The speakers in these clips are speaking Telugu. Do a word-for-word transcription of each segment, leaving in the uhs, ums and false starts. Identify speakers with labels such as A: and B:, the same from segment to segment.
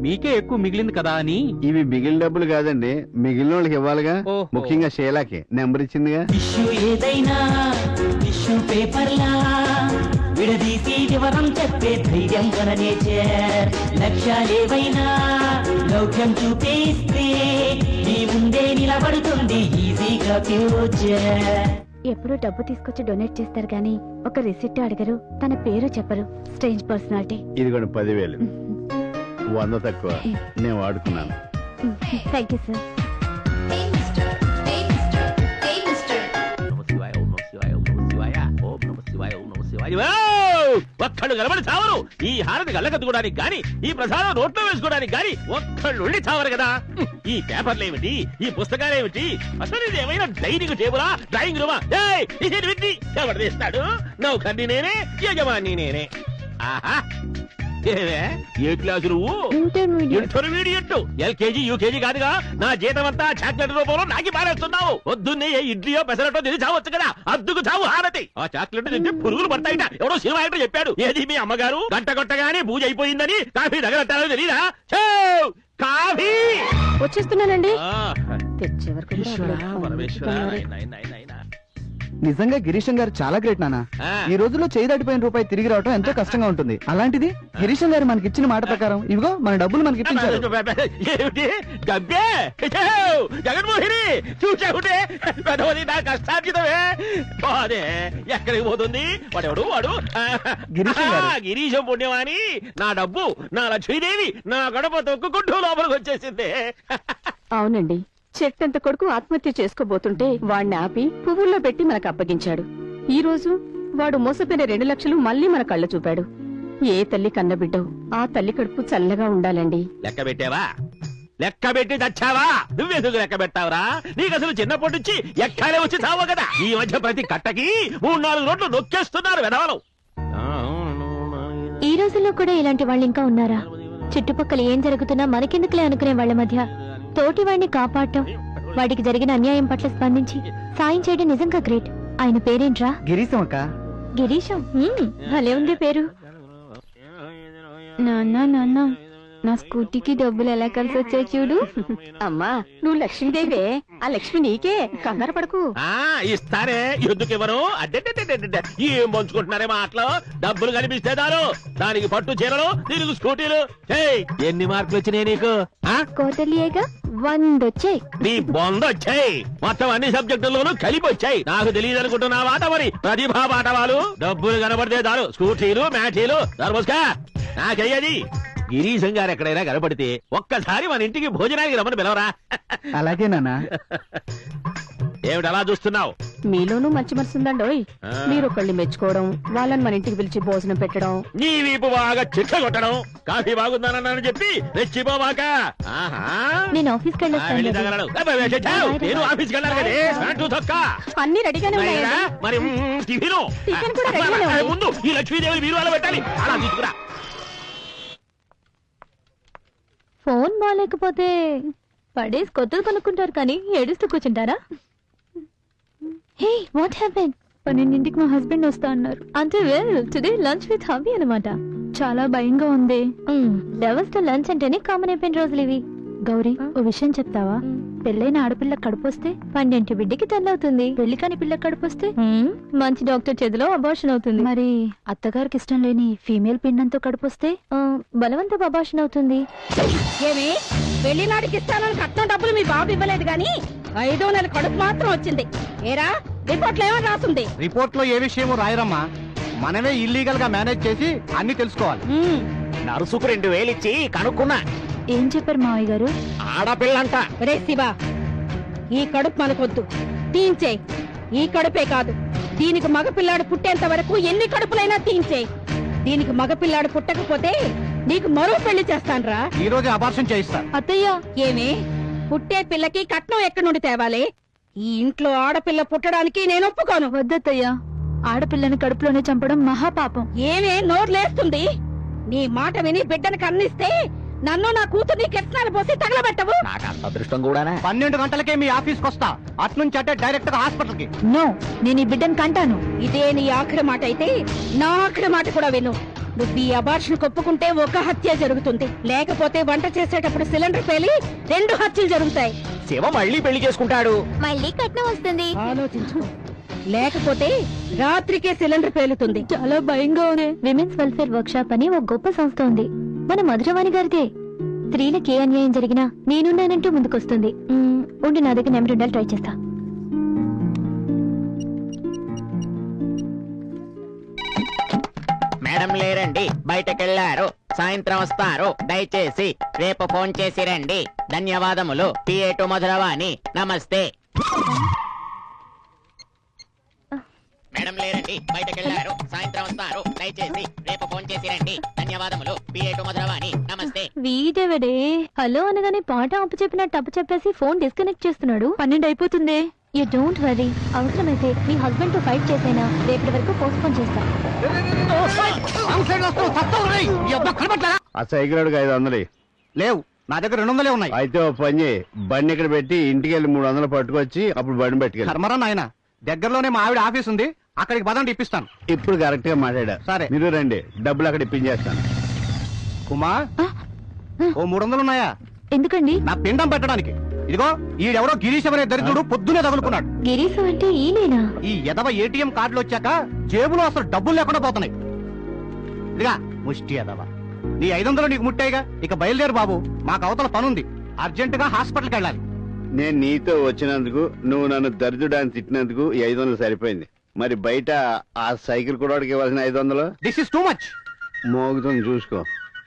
A: మీకే ఎక్కువ మిగిలింది కదా అని.
B: ఇవి మిగిలిన డబ్బులు కాదండి, మిగిలిన వాళ్ళకి ఇవ్వాలిగా. ముఖ్యంగా షేలాకి నెంబర్ ఇచ్చిందిగా.
C: ఇష్యూ ఏదైనా ఇష్యూ పేపర్లా విడదీసి వివరం చెప్పే ధైర్యం గల నేచర్. లక్ష్యాలేవైనా లౌక్యం చూపిస్తే నీ ముందే నిలబడుతుంది ఈజీగా ఫ్యూచర్.
D: ఎప్పుడు డబ్బు తీసుకొచ్చి డొనేట్ చేస్తారు గానీ ఒక రిసిప్ట్ అడగరు, తన పేరు చెప్పరు. Strange personality.
B: ఇది కూడా పదివేలు, వంద తక్కువ నేను వాడుకున్నాను.
D: Thank you sir.
E: ఒక్కళ్ళు కలబడి చావరు. ఈ హారతి గల్లకత్తుకోవడానికి గాని, ఈ ప్రసాదం నోట్లో వేసుకోవడానికి గాని ఒక్కళ్ళు ఉండి చావరు కదా. ఈ పేపర్లు ఏమిటి, ఈ పుస్తకాలు ఏమిటి, అసలు ఇది ఏమైనా డైనింగ్ టేబులా, డ్రాయింగ్ రూమా? ఎవరు తీస్తాడు? నౌకర్ని నేనే, యజమాని నేనే. ఆహా, ఏ క్లాసు నువ్వు? ఇంటర్మీడియట్. ఎల్కేజీ యూకేజీ కాదుగా. నా జీతం అంతా చాక్లెట్ రూపంలో నాకి పారేస్తున్నావు. పొద్దున్నే ఏ ఇడ్లీయో పెసరటో తిని చావచ్చు కదా. అద్దుకు చావు హారతి. ఆ చాక్లెట్ తింటే పురుగులు పడతాయిట. ఎవడో సినిమా యాక్టర్ చెప్పాడు. ఏది మీ అమ్మగారు గంట కొట్టగానే పూజ అయిపోయిందని కాఫీ దగ్గర తెలీదా? కాఫీ
D: వచ్చేస్తున్నానండి.
E: తెచ్చే వరకు
F: నిజంగా గిరీశం గారు చాలా గ్రేట్ నాన్న. ఈ రోజుల్లో చేయి దాటిపోయిన రూపాయి తిరిగి రావడం ఎంతో కష్టంగా ఉంటుంది. అలాంటిది గిరీశం గారు మనకి ఇచ్చిన మాట ప్రకారం ఇవిగో మన డబ్బులు మనకి ఇప్పించారు.
E: జగన్మోహిని చూసావుంటే నా కష్టార్జితమే బాదే. ఎక్కడికి పోతుంది వాడెవడు? వాడు గిరీశం పుణ్యమాని నా డబ్బు, నా లక్ష్మీదేవి నా గడప తొక్కుకుంటూ లోపలికి వచ్చేసింది.
D: అవునండి, చెట్టంత కొడుకు ఆత్మహత్య చేసుకోబోతుంటే వాడిని ఆపి పువ్వుల్లో పెట్టి మనకు అప్పగించాడు. ఈ రోజు వాడు మోసపోయిన రెండు లక్షలు మళ్ళీ మన కళ్ళ చూపాడు. ఏ తల్లి కన్నబిడ్డో ఆ తల్లి కడుపు చల్లగా ఉండాలండి.
E: లెక్క పెట్టావా? లెక్క పెట్టి తెచ్చావా? నువ్వెందుకు లెక్క పెట్టావరా? నీకు అసలు చిన్నప్పటి నుంచి ఎక్కాలే వచ్చి చావు కదా. ఈ మధ్య ప్రతి కట్టకి మూడు నాలుగు రోడ్లు నొక్కేస్తున్నారు వెధవలు.
D: ఈ రోజుల్లో కూడా ఇలాంటి వాళ్ళు ఇంకా ఉన్నారా? చుట్టుపక్కల ఏం జరుగుతున్నా మనకెందుకులే అనుకునే వాళ్ళ మధ్య తోటి వాడిని కాపాడటం, వాడికి జరిగిన అన్యాయం పట్ల స్పందించి సాయం చేయడం నిజంగా గ్రేట్. ఆయన పేరేంట్రా?
F: గిరీశం అక్క.
D: గిరీశం? భలే ఉంది పేరు. నాన్న నాన్న నా స్కూటీకి డబ్బులు ఎలా కలిసి వచ్చాయి చూడు. అమ్మా నువ్వు లక్ష్మీదేవే, ఆ లక్ష్మి నీకే, కంగారు పడకు.
E: ఇస్తారే, ఎందుకు ఇవ్వరు? అడ్డే ఏం పంచుకుంటున్నారే మాటలు. డబ్బులు కనిపిస్తే దారు, దానికి పట్టు చీరలు, దీనికి స్కూటీలు. ఎన్ని మార్కులు వచ్చినాయి నీకు?
D: కోటలియేగా వంద వచ్చాయి.
E: నీ బొంద వచ్చాయి. మొత్తం అన్ని సబ్జెక్టుల్లోనూ కలిపి వచ్చాయి. నాకు తెలియదు అనుకుంటున్నావా? మరి ప్రతిభా పాఠవాలు. డబ్బులు కనబడితే దారు, స్కూటీలు మ్యాటీలు దర్మస్కా నాకయ్యది. గిరీశం గారు ఎక్కడైనా కనపడితే ఒక్కసారి మన ఇంటికి భోజనానికి రమ్మని పిలవరా?
F: అలాగే నాన్న.
E: ఏమిటి అలా చూస్తున్నావు?
D: మీలోనూ మంచి మనసు ఉందండోయ్. మీరు ఒకళ్ళని మెచ్చుకోవడం, వాళ్ళని మన ఇంటికి పిలిచి భోజనం పెట్టడం,
E: నీ వీపు బాగా చిట్ట కొట్టడం, కాఫీ బాగుందనని చెప్పి రెచ్చిపోవాక.
D: నేను ఆఫీస్కి వెళ్ళొస్తాను.
E: నేను ఆఫీస్కి వెళ్ళాను కదే.
D: అన్ని రెడీగానే ఉన్నాయా?
E: మరి టిఫిన్ ముందు ఈ లక్ష్మీదేవి మీరు అలా పెట్టాలి. అలా తీసుకురా.
D: ఫోన్ బాగాలేకపోతే పడేసి కొత్తది కొనుక్కుంటారు కానీ ఏడుస్తూ కూర్చుంటారా? Hey what happen? పన్నెండింటికి మా హస్బెండ్ వస్తా అన్నారు. అంటే well today lunch with hubby అన్నమాట. చాలా భయంగా ఉంది. లెవెల్స్ తో లంచ్ అంటేనే కామన్ అయిపోయిన రోజులు ఇవి. గౌరీ, ఓ విషయం చెప్తావా? పెళ్ళైన ఆడపిల్ల కడుపొస్తే పన్నెంటి బిడ్డకి తల్లవుతుంది. పెళ్లి కాని పిల్ల కడుపొస్తే మంచి డాక్టర్ చేతిలో అబార్షన్ అవుతుంది. మరి అత్తగారికి ఇష్టం లేని ఫీమేల్ పిండంతో కడుపొస్తే బలవంత అబార్షన్ అవుతుంది.
G: ఏమి పెళ్లి నాటికి ఇస్తానని కట్నం డబ్బులు మీ బాబు ఇవ్వలేదు గాని ఐదో నెల కడుపు మాత్రం వచ్చింది. ఏరా రిపోర్ట్ లో ఏమని రాస్తుంది?
F: రిపోర్ట్ లో ఏ విషయమో రాయరమ్మా. మనమే ఇల్లీగల్ గా మేనేజ్ చేసి అన్ని తెలుసుకోవాలి.
E: నరుసుకు రెండు వేలు ఇచ్చి కనుక్కున్నా.
D: ఏం చెప్పారు మావయ్య గారు?
E: ఆడపిల్లంట.
G: రే శివా, ఈ కడుపు మనకొద్దు, తీయించే. ఈ కడుపే కాదు, దీనికి మగపిల్లాడు పుట్టేంత వరకు ఎన్ని కడుపులైనా తీయించే. దీనికి మగపిల్లాడు పుట్టకపోతే నీకు మరో పెళ్లి చేస్తాన్రా.
F: ఈ రోజు అబార్షన్ చేయిస్తా.
D: అత్తయ్య,
G: ఏమి పుట్టే పిల్లకి కట్నం ఎక్కడి నుండి తేవాలి? ఈ ఇంట్లో ఆడపిల్ల పుట్టడానికి నేను ఒప్పుకోను.
D: వద్దత్తయ్య, ఆడపిల్లని కడుపులోనే చంపడం మహాపాపం.
G: ఏమే నోర్లేస్తుంది? నీ మాట విని బిడ్డను కన్నిస్తే నన్ను నా కూతుర్ని కెట్నాలు పోసి తగలబెట్టవు.
E: నాకు అంత అదృష్టం కూడానా?
F: పన్నెండు గంటలకే మీ ఆఫీస్కి వస్తా. అట్నుంచి అంటే డైరెక్ట్ గా హాస్పిటల్ కి.
D: నో, నేను ఈ బిడ్డను కంటాను.
G: ఇదే నీ ఆఖరి మాట అయితే నా ఆఖరి మాట కూడా విను. నువ్వు ఈ అబార్షన్ ఒప్పుకుంటే ఒక హత్య జరుగుతుంది, లేకపోతే వంట చేసేటప్పుడు సిలిండర్ పేలి రెండు హత్యలు జరుగుతాయి.
E: శివ మళ్ళీ పెళ్లి చేసుకుంటాడు.
D: మళ్ళీ కట్నం వస్తుంది.
G: ఆలోచించుకో, లేకపోతే రాత్రికే సిలిండర్ పేలుతుంది.
D: చాలా భయంగా ఉంది. విమెన్స్ వెల్ఫేర్ వర్క్ షాప్ అని ఒక గొప్ప సంస్థ ఉంది, మన మధురవాణి గారిదే. స్త్రీలకు ఏ అన్యాయం జరిగినా నేనున్నానంటూ ముందుకొస్తుంది. మ్మ్, ఉండి నా దగ్గర నెంబర్ ఉండాలి, ట్రై చేస్తా.
A: మేడం లేరండి, బయటకెళ్లారు. సాయంత్రం వస్తారు. దయచేసి రేపు ఫోన్ చేసి రండి. ధన్యవాదములు. PA to Madhuravani. నమస్తే. మేడం లేరండి, బయటకెళ్లారు. సాయంత్రం వస్తారు. దయచేసి రేపు ఫోన్ చేసి రండి. ధన్యవాదములు. PA to Madhuravani. నమస్తే.
D: వీడెవడే హలో అనగానే పాట అప్పు చెప్పినట్టు అప్పు చెప్పేసి ఫోన్ డిస్కనెక్ట్ చేస్తున్నాడు. పన్నెండు అయిపోతుంది. యూ డోంట్ వరీ, అవసరమైతే మీ హస్బెండ్ తో ఫైట్ చేసైనా రేపటి వరకు పోస్ట్ పోన్ చేస్తా.
B: ఆ సైకిల్ ఐదు వందలు
F: లేవు, నా దగ్గర రెండు వందలే ఉన్నాయి.
B: అయితే ఓ పని చేయి, బండి ఇక్కడ పెట్టి ఇంటికి వెళ్ళి మూడు వందలు పట్టుకొచ్చి అప్పుడు బండి పెట్టుకెళ్ళి.
F: కర్మరా నాయన, దగ్గరలోనే మా ఆవిడ ఆఫీస్ ఉంది, అక్కడికి పదండి ఇప్పిస్తాను.
B: ఇప్పుడు కరెక్ట్ గా మాట్లాడా.
F: సరే.
B: మీరు రండి, డబ్బులు అక్కడ ఇప్పించేస్తాను.
F: కుమా, ఓ మూడు వందలు ఉన్నాయా?
D: ఎందుకండి?
F: నా పిండం పెట్టడానికి. ఇదిగో ఈడెవరో గిరీశం అనే దరిద్రుడు పొద్దునే తగులుకున్నాడు.
D: గిరీశం అంటే ఈయనేనా?
F: ఈ ఎదవ ఏటీఎం కార్డులు వచ్చాక జేబులో అసలు డబ్బులు లేకుండా పోతున్నాయి. ఇదిగా ముష్టి ఎదవ, నీ ఐదు వందలు నీకు ముట్టాయిగా, ఇక బయలుదేరు బాబు, మాకు అవతల పనుంది, అర్జెంట్ గా హాస్పిటల్కి వెళ్ళాలి.
B: నేను నీతో వచ్చినందుకు, నువ్వు నన్ను దరిద్రుడాన్ని తిట్టినందుకు ఈ ఐదు వందలు సరిపోయింది. మరి బయట ఆ సైకిల్ కూడా ఇవ్వాల్సిన ఐదు వందలు
F: దిస్ ఇస్ టూ మచ్.
B: మోగుతుంది చూసుకో.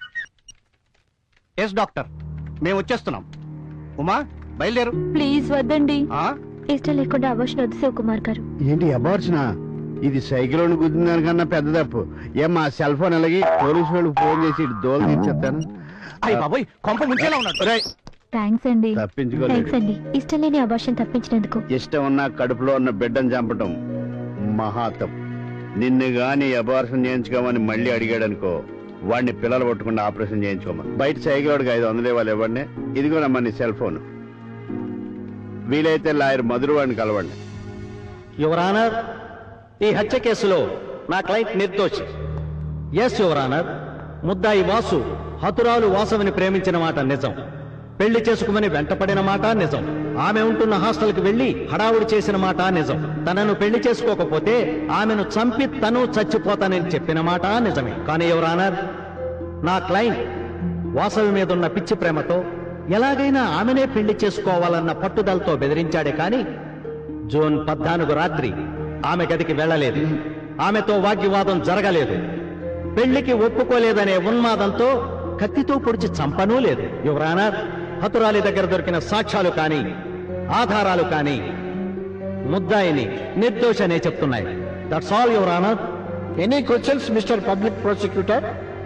F: ఎస్ డాక్టర్, మేము వచ్చేస్తున్నాం. ఉమా బయలుదేరు.
D: ప్లీజ్ వద్దండి,
F: ఆ?
D: ఇష్టం లేకుండా అవర్షన్ వద్దు శివకుమార్ గారు.
B: ఏంటి అబార్చునా? ఇది సైకిల్ గుద్దిన దానికన్నా పెద్ద తప్పు. ఏం మా సెల్ ఫోన్ అలాగే పోలీసు వాళ్ళకి ఫోన్ చేసి దోలు తీర్చేస్తాను.
F: అయ్య బాబోయ్, కొంప ముంచేలా ఉన్నాడు.
D: థ్యాంక్స్ అండి.
B: తప్పించుకోలేదు.
D: థ్యాంక్స్ అండి, ఇష్టం లేని అబార్షన్ తప్పించినందుకు.
B: ఇష్టం ఉన్న కడుపులో ఉన్న బిడ్డను చంపటం మహాతం. నిన్ను గాని అబార్షన్ చేయించుకోమని మళ్ళీ అడిగాడనుకో, వాడిని పిల్లలు పట్టుకుండా ఆపరేషన్ చేయించుకోమని. బయట సైకిల్ వాడికి ఐదు వందలు ఇవ్వాలి, ఇవ్వండి. ఇదిగోనమ్మా నీ సెల్ ఫోన్. వీలైతే లాయర్ మధురు వాడిని కలవండి.
H: యువర్ ఆనర్, ఈ హత్య కేసులో నా క్లయింట్ నిర్దోషి. ఎస్ యువర్ ఆనర్, ముద్దాయి వాసు హతురాలు వాసవిని ప్రేమించిన మాట నిజం. పెళ్లి చేసుకుమని వెంటపడిన మాట నిజం. ఆమె ఉంటున్న హాస్టల్ కి వెళ్లి హడావుడి చేసిన మాట నిజం. తనను పెళ్లి చేసుకోకపోతే ఆమెను చంపి తను చచ్చిపోతానని చెప్పిన మాట నిజమే. కానీ యువర్ ఆనర్, నా క్లయింట్ వాసవి మీదున్న పిచ్చి ప్రేమతో ఎలాగైనా ఆమెనే పెళ్లి చేసుకోవాలన్న పట్టుదలతో బెదిరించాడే కాని జూన్ పద్నాలుగు రాత్రి ఆమె గదికి వెళ్లలేదు. ఆమెతో వాగ్వివాదం జరగలేదు. పెళ్లికి ఒప్పుకోలేదనే ఉన్మాదంతో కత్తితో పొడిచి చంపనూ లేదు. యువర్ ఆనర్, హతురాలి దగ్గర దొరికిన సాక్ష్యాలు కానీ ఆధారాలు కానీ ముద్దాయిని నిర్దోషనే చెప్తున్నాయి. That's all your honour. Any questions mister public prosecutor?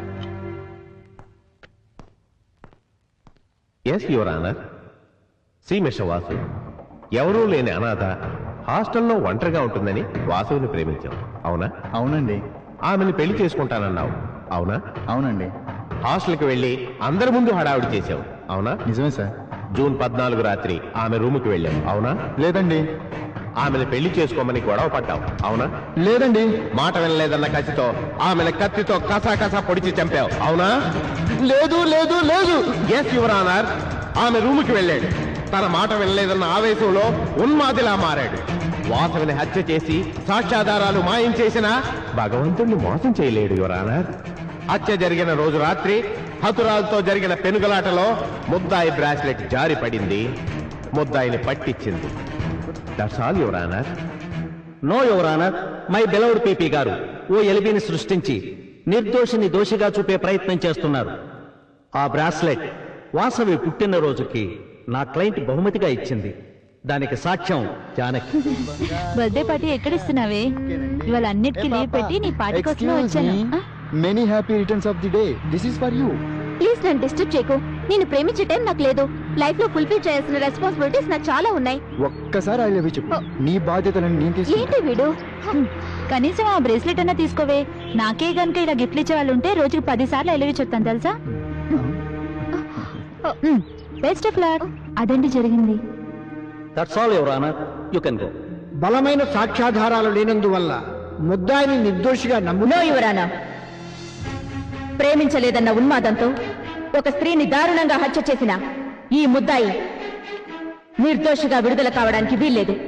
I: Yes your honour. See mister Vasu, ఎవరూ లేని అనాథ హాస్టల్లో ఒంటరిగా ఉంటుందని వాసుని ప్రేమించాం, అవునా?
F: అవునండి.
I: ఆమెను పెళ్లి చేసుకుంటానన్నావు, అవునా?
F: అవునండి.
I: హాస్టల్కి వెళ్లి అందరి ముందు హడావుడి చేశావు, అవునా?
F: నిజమే సార్.
I: జూన్ పద్నాలుగు రాత్రి ఆమె రూముకి వెళ్ళావు, అవునా?
F: లేదండి.
I: ఆమెను పెళ్లి చేసుకోమని గొడవ పడ్డావు, అవునా?
F: లేదండి.
I: మాట వినలేదన్న కసితో ఆమెను కత్తితో కసా కసా పొడిచి చంపావు, అవునా?
F: లేదు లేదు లేదు.
I: ఎస్ యువర్ ఆనర్, ఆమె రూముకి వెళ్ళాడు. తన మాట వినలేదన్న ఆవేశంలో ఉన్మాదిలా మారాడు. వాసవిని హత్య చేసి సాక్ష్యాధారాలు మాయం చేసినా భగవంతుణ్ణి మోసం చేయలేడు యువర్ ఆనర్. హత్య జరిగిన రోజు రాత్రి హతురాలతో జరిగిన పెనుగలాటలో ముద్దాయి బ్రాస్లెట్ జారి పడింది, ముద్దాయిని పట్టించింది. That's all your honour.
H: No your honour, my beloved PP గారు ఓ ఎలిబిని సృష్టించి నిర్దోషిని దోషిగా చూపే ప్రయత్నం చేస్తున్నారు. ఆ బ్రాస్లెట్ వాసవి పుట్టినరోజుకి నా క్లయింట్ బహుమతిగా ఇచ్చింది. దానికి సాక్ష్యం జానకి.
D: బర్త్డే పార్టీ ఎక్కడ ఇస్తున్నావే? ఇవాళ అన్నిటికీ లీవ్ పెట్టి నీ పార్టీ కోసం వచ్చాను.
F: Many happy returns of the day. This is for you.
D: Please నన్ను డిస్టర్బ్ చేయకు. నేను ప్రేమించే టైం నాకు లేదు. లైఫ్ లో ఫుల్ఫిల్ చేయాల్సిన రెస్పాన్సిబిలిటీస్ నాకు చాలా ఉన్నాయి.
F: ఒక్కసారి ఐ లవ్ యూ చెప్పు. నీ బాధ్యతలను నేను తీసుకుంటా.
D: ఏంటి వీడు? కనీసం ఆ బ్రేస్లెట్ అన్నా తీసుకోవే. నాకే గనుక ఇలా గిఫ్ట్లు ఇచ్చే వాళ్ళు ఉంటే రోజుకు పది సార్లు ఐ లవ్ యూ చెప్తాను తెలుసా. Best of luck. అదండి జరిగింది.
H: That's all your honour, you can go.
J: బలమైన సాక్ష్యాధారాలు లేనందువల్ల ముద్దాయిని నిర్దోషిగా నమ్మునా
D: యువరానా,
G: ప్రేమించలేదన్న ఉన్మాదంతో ఒక స్త్రీని దారుణంగా హత్య చేసిన ఈ ముద్దాయి నిర్దోషిగా విడుదల కావడానికి వీల్లేదు.